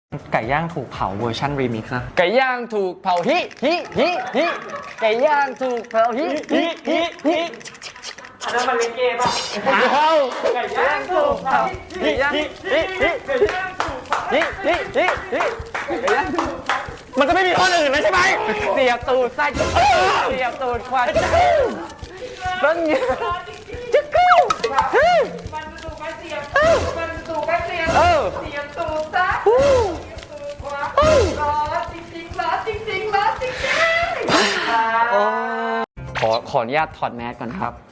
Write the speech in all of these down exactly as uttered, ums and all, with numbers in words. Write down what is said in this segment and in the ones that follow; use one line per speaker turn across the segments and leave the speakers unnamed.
ไก่ย่างถูกเผาเวอร์ชันรีมิกซ์นะ
ไก่ย่างถูกเผาฮิฮิฮิฮิไก่ย่างถูกเผาฮิฮิฮิฮิ
อันนั้นมันเล่นเกมป่ะ
เอา
ไก่ย่างถูกเผา
ฮิฮิฮิฮิ
ไก่ย่างถูกเผา
ฮิฮิฮิฮิไก่ย่างถูกมันจะไม่มีคนอื่นแล้วใช่ไหมเสียบตูดไส้เสียบตูดควันต้นเงี้ยจะกู้
มันจะถูกไปเสียบมันจะถูกไปเสียบ
เออ
เสียบตูดซะเสียบตูดขวาร้อนจริงๆร้อนจริงๆร้อนจริงๆ
ขอขออนุญาตถอดแมสก่อนครับ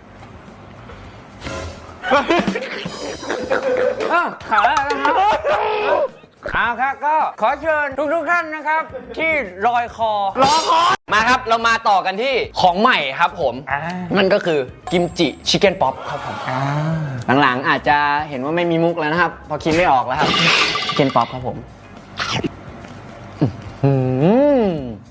อ้าวขาแล้วนะครับเอาครับก็ขอเชิญทุกทุกๆท่านนะครับ ที่ลอยคอรอคอมาครับเรามาต่อกันที่ของใหม่ครับผม
อ่า
มันก็คือกิมจิชิคเก้นป๊อปครับผม
อ่า
หลังๆอาจจะเห็นว่าไม่มีมุกแล้วนะครับเพอคิดไม่ออกแล้วครับชิคเก้นป๊อปครับผมอืม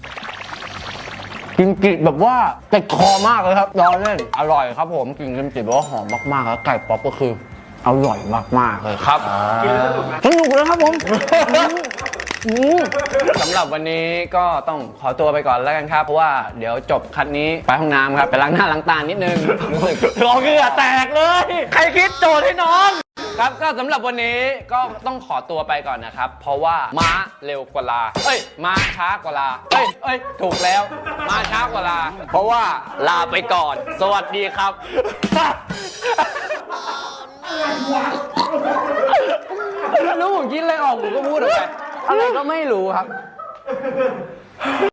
กิมจิแบบว่าติดคอมากเลยครับรอเล่นอร่อยครับผมกินกิมจิแบบว่าหอมมากๆแล้วไก่ป๊อปก็คืออร่อยมากๆเลยครับ
กินแล้วสนุกไหม
สนุกเลยครับผมอืมสำหรับวันนี้ก็ต้องขอตัวไปก่อนแล้วกันครับเพราะว่าเดี๋ยวจบคัดนี้ไปห้องน้ำครับไปล้างหน้าล้างตานิดนึงรู้สึกรอเหงื่อแตกเลย ใครคิดโจทย์ให้น้อง ครับก็สำหรับวันนี้ก็ต้องขอตัวไปก่อนนะครับ เพราะว่าม้าเร็วกว่าลาเอ้ยม้าช้ากว่าลาเอ้ยเอ้ยถูกแล้วม้าช้ากว่าลา เพราะว่าลาไปก่อน สวัสดีครับรู้ผมคิดอะไรออกผมก็พูดออกไปอะไรก็ไม่รู้ครับ